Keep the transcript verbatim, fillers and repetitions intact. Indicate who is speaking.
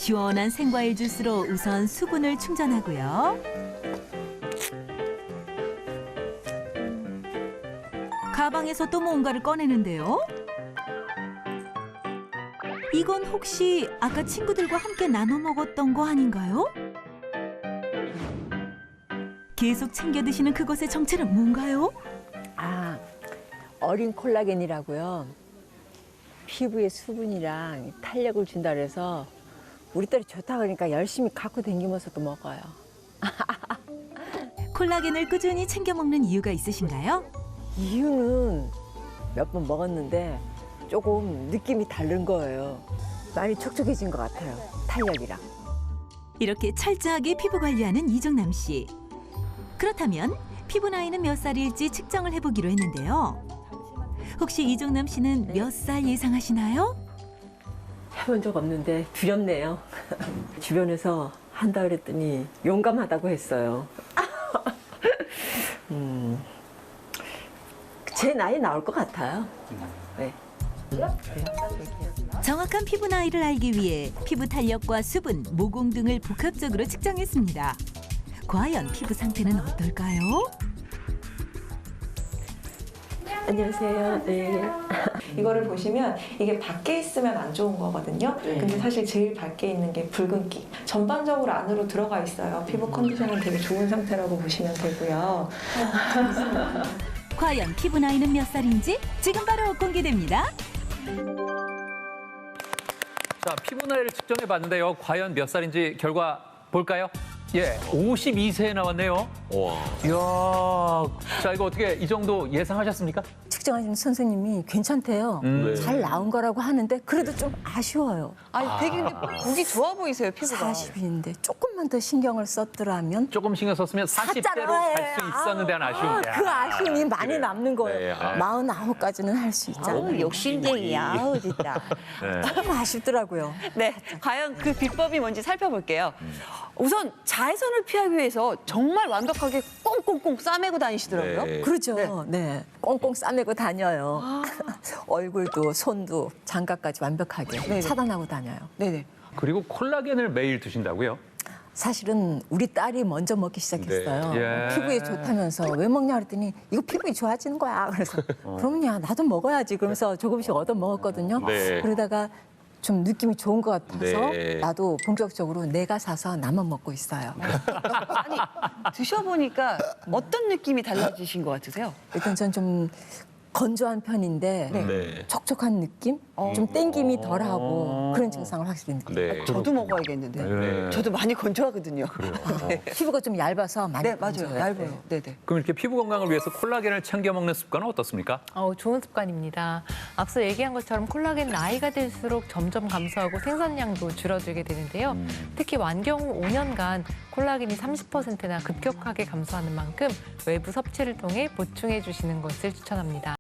Speaker 1: 시원한 생과일 주스로 우선 수분을 충전하고요. 가방에서 또 뭔가를 꺼내는데요. 이건 혹시 아까 친구들과 함께 나눠 먹었던 거 아닌가요? 계속 챙겨 드시는 그것의 정체는 뭔가요?
Speaker 2: 아, 어린 콜라겐이라고요. 피부에 수분이랑 탄력을 준다 그래서 우리 딸이 좋다 그러니까 열심히 갖고 다니면서도 먹어요.
Speaker 1: 콜라겐을 꾸준히 챙겨 먹는 이유가 있으신가요?
Speaker 2: 이유는 몇 번 먹었는데 조금 느낌이 다른 거예요. 많이 촉촉해진 것 같아요. 탄력이랑.
Speaker 1: 이렇게 철저하게 피부 관리하는 이정남 씨. 그렇다면 피부 나이는 몇 살일지 측정을 해보기로 했는데요. 혹시 이정남 씨는 몇 살 예상하시나요?
Speaker 2: 해본 적 없는데 두렵네요. 주변에서 한다 그랬더니 용감하다고 했어요. 음, 제 나이 나올 것 같아요. 네.
Speaker 1: 정확한 피부 나이를 알기 위해 피부 탄력과 수분, 모공 등을 복합적으로 측정했습니다. 과연 피부 상태는 어떨까요?
Speaker 2: 안녕하세요. 네.
Speaker 3: 이거를 보시면 이게 밖에 있으면 안 좋은 거거든요.
Speaker 2: 네.
Speaker 3: 근데 사실 제일 밖에 있는 게 붉은기. 전반적으로 안으로 들어가 있어요. 피부 컨디션은 되게 좋은 상태라고 보시면 되고요.
Speaker 1: 과연 피부 나이는 몇 살인지 지금 바로 공개됩니다.
Speaker 4: 자, 피부 나이를 측정해 봤는데요. 과연 몇 살인지 결과 볼까요? 예, 오십이 세 나왔네요.
Speaker 5: 와.
Speaker 4: 이야, 자, 이거 어떻게 이 정도 예상하셨습니까?
Speaker 2: 측정하시는 선생님이 괜찮대요.
Speaker 4: 음.
Speaker 2: 잘 나온 거라고 하는데 그래도 좀 아쉬워요.
Speaker 6: 아니 되게 근데 보기 좋아 보이세요 피부가.
Speaker 2: 사십인데 조금만 더 신경을 썼더라면
Speaker 4: 조금 신경 썼으면 사십 대로 갈 수 있었는데 한 아쉬움.
Speaker 2: 그 아쉬움이 많이
Speaker 4: 그래요.
Speaker 2: 남는 거예요.
Speaker 5: 네, 아.
Speaker 2: 마흔아홉까지는 할 수 있잖아요.
Speaker 6: 어우, 욕심쟁이야. 아우 진짜.
Speaker 4: 네.
Speaker 2: 조금 아쉽더라고요.
Speaker 6: 네, 과연 그 비법이 뭔지 살펴볼게요. 우선 자외선을 피하기 위해서 정말 완벽하게 꽁꽁꽁 싸매고 다니시더라고요.
Speaker 5: 네.
Speaker 2: 그렇죠. 네. 꽁꽁 싸매고 다녀요. 얼굴도 손도 장갑까지 완벽하게
Speaker 6: 네네.
Speaker 2: 차단하고 다녀요.
Speaker 6: 네네.
Speaker 4: 그리고 콜라겐을 매일 드신다고요?
Speaker 2: 사실은 우리 딸이 먼저 먹기 시작했어요.
Speaker 4: 네. 예.
Speaker 2: 피부에 좋다면서 왜 먹냐 그랬더니 이거 피부에 좋아지는 거야. 그래서 그럼요. 나도 먹어야지. 그러면서 조금씩 얻어 먹었거든요.
Speaker 5: 네.
Speaker 2: 그러다가 좀 느낌이 좋은 것 같아서
Speaker 5: 네.
Speaker 2: 나도 본격적으로 내가 사서 나만 먹고 있어요.
Speaker 6: 아니 드셔보니까 어떤 느낌이 달라지신 것 같으세요?
Speaker 2: 일단 전 좀 건조한 편인데
Speaker 5: 네.
Speaker 2: 촉촉한 느낌? 좀 땡김이 덜하고 그런 증상을 확실히 느껴요.
Speaker 5: 네.
Speaker 6: 저도 먹어야겠는데.
Speaker 4: 네.
Speaker 6: 저도 많이 건조하거든요. 네.
Speaker 2: 피부가 좀 얇아서 많이
Speaker 6: 네, 맞아요.
Speaker 2: 건조해요.
Speaker 6: 얇아요. 네네.
Speaker 4: 그럼 이렇게 피부 건강을 위해서 콜라겐을 챙겨 먹는 습관은 어떻습니까?
Speaker 7: 어, 좋은 습관입니다. 앞서 얘기한 것처럼 콜라겐 나이가 들수록 점점 감소하고 생산량도 줄어들게 되는데요. 특히 완경 후 오 년간 콜라겐이 삼십 퍼센트나 급격하게 감소하는 만큼 외부 섭취를 통해 보충해 주시는 것을 추천합니다.